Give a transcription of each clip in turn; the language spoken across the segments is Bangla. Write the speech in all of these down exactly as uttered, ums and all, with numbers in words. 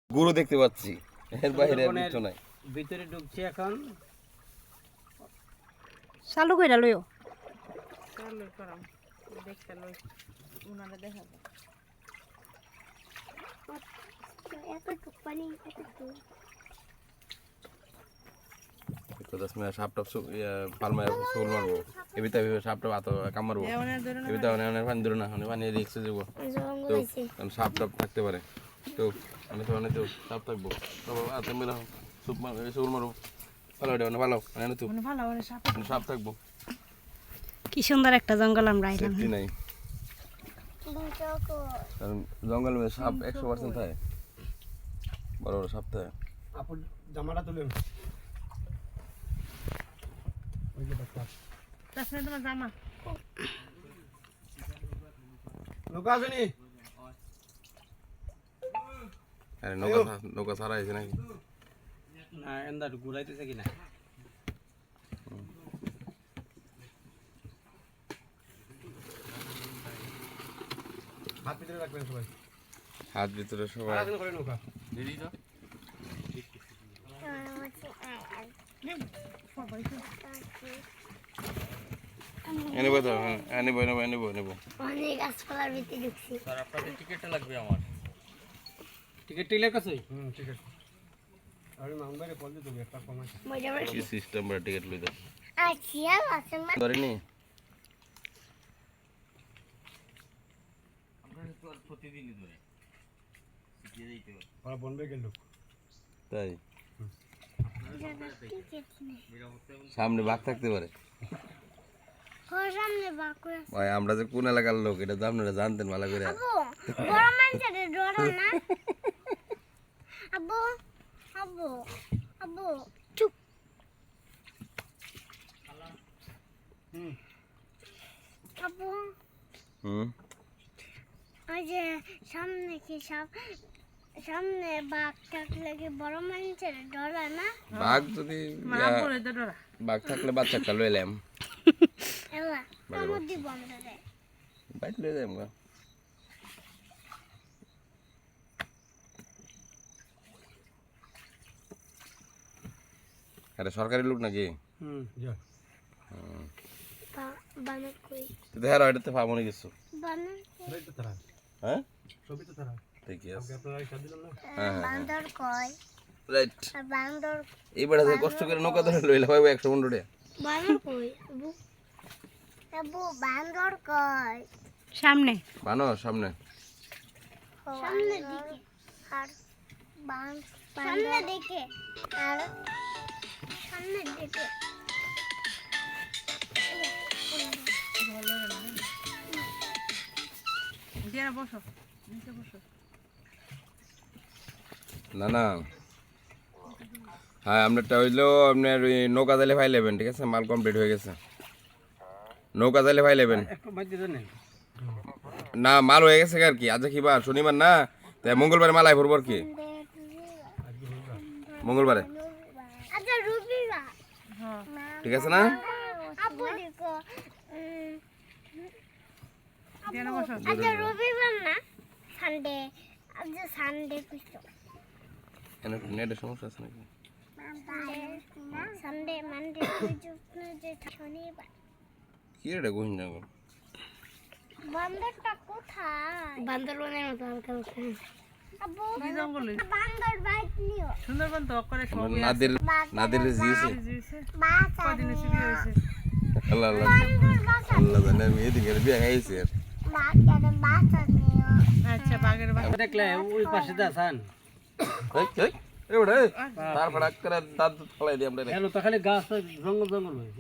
গরু দেখতে পাচ্ছি, এর বাইরে আর কিছু নাই। ভিতরে ঢুকছি এখন। চালু কইরা লইও। চালু করাম দেখতে লই উনারে দেখা যায়। এতটুক পানি এতটুক তো দশ মিনিট সাপ টাপ পালমা সোল মারবো এ ভিতরে সাপ টাপ আতো কাম মারবো এ ভিতরে অনেক পানি ধরো না অনেক পানি রিক্স হয়ে যাবো তো সাপ টাপ থাকতে পারে তো আমি তো অনেক তো সাপ থাকবো তো হাতে মেলা সুপ মার সোল মারবো ভালো এটা ভালো মানে তো ভালো ভালো সাপ সাপ থাকবো। কি সুন্দর একটা জঙ্গল আমরা আইলাম। সেফটি নাই কারণ জঙ্গল মে সাপ একশো পার্সেন্ট থাকে, বড় বড় সাপ থাকে। আপন জামাটা তুলে ওই যে বাচ্চা তাছনে তোমার জামা নৌকা আসেনি। আরে নৌকা নৌকা সারা আছে নাকি? না এন্দার ঘুরাইতেছে কিনা। হাত ভিতরে রাখবেন সবাই, হাত ভিতরে সবাই আসেন করে নৌকা দিদি তো এনে বই তো এনে বই নেবো এনে বই নেবো অনেক গাছপালার ভিতরে ঢুকছি। স্যার আপনাদের টিকিটটা লাগবে আমার। টিকিট টিলের কাছে হুম ঠিক আছে। আমি মামবারে বল দিতে একটা কমাই মজা করে কি সিস্টেম বড় টিকিট লই দাও আচ্ছা আছে মা ধরেনি আমরা তো আর প্রতিদিনই ধরে শিখিয়ে দিতে হবে। ওরা বনবে গেল তাই টিকিট নেই সামনে বাঘ থাকতে পারে। ওর সামনে বাকুড়া ভাই আমরা যে কোন এলাকার লোক এটা তো আপনারা জানতেন ভালো করে। আবু বড় মানুষের ডরা না আবু আবু আবু চুপ হুম আবু হুম ওই যে সামনে কি সব সামনে বাঘ থাকলে কি বড় মানুষের ডরা না বাঘ যদি মা বলে তো ডরা বাঘ থাকলে বাচ্চাটা লই এলাম এলা কামড় দিব আমরা রে বাইট লই যাম গা। আরে সরকারি লোক নাকি? হুম যা বানর কই তো দেখার এটাতে পাবনি কিছু বানর সবই তো তারা হ্যাঁ সবই তো তারা ঠিক আছে আপনারা সাথ দিলাম না। হ্যাঁ হ্যাঁ বান্দর কই রাইট আর বান্দর এইবারে যে কষ্ট করে নৌকা ধরে লইলা ভাই একশো পনেরো টাকা বানর কই আবু আবু বান্দর কই সামনে বানো সামনে সামনে দিকে আর বান সামনে দিকে আর সামনে দিকে দিয়া বসো নিচে বসো না না হ্যাঁ আপনারটা হইলো আপনার ওই নৌকা জালে ফাইল নেবেন ঠিক আছে মাল কমপ্লিট হয়ে গেছে নৌকা জালে ফাইল নেবেন একটু বাদ দিতে নেই না মাল হয়ে গেছে আর কি আজ কি বার শনিবার না তাই মঙ্গলবারে মাল আই ভরবো আর কি মঙ্গলবারে আচ্ছা রবিবার হ্যাঁ ঠিক আছে না আবু দেখো দিয়া বসো আচ্ছা রবিবার না সানডে আচ্ছা সানডে কইছো এনে নেটের সমস্যা আছে নাকি সানডে মানডে কইছো যে শনিবার কি রে গোহিন না গো বান্দরটা কোথায় বান্দরবনের মতো হালকা হালকা আবু কি জঙ্গল বান্দর বাইক নিও সুন্দরবন তো করে সব নাদের নাদের জিয়েছে দিয়েছে বাসা কদিন এসে বিয়ে হয়েছে আল্লাহ আল্লাহ আল্লাহ জানে আমি এদিকে বিয়ে খাইছি আর বাচ্চাদের বাসা নিও আচ্ছা বাগের বাগ দেখলে ওই পাশে দা সান এই এই এ বড় এই তার ফড়াক করে দাঁত ফলাই দি আমরা হ্যালো তো খালি গাছ জঙ্গল জঙ্গল হয়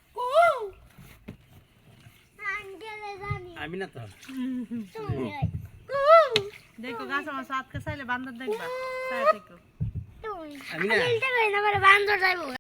আঙ্কেলে জানি আমি না তো তুমি দেখো গাছ আমার সাতকে চাইলে বান্দর দেখবা চাই দেখো তুমি আমি না আমি বান্দর যাইবো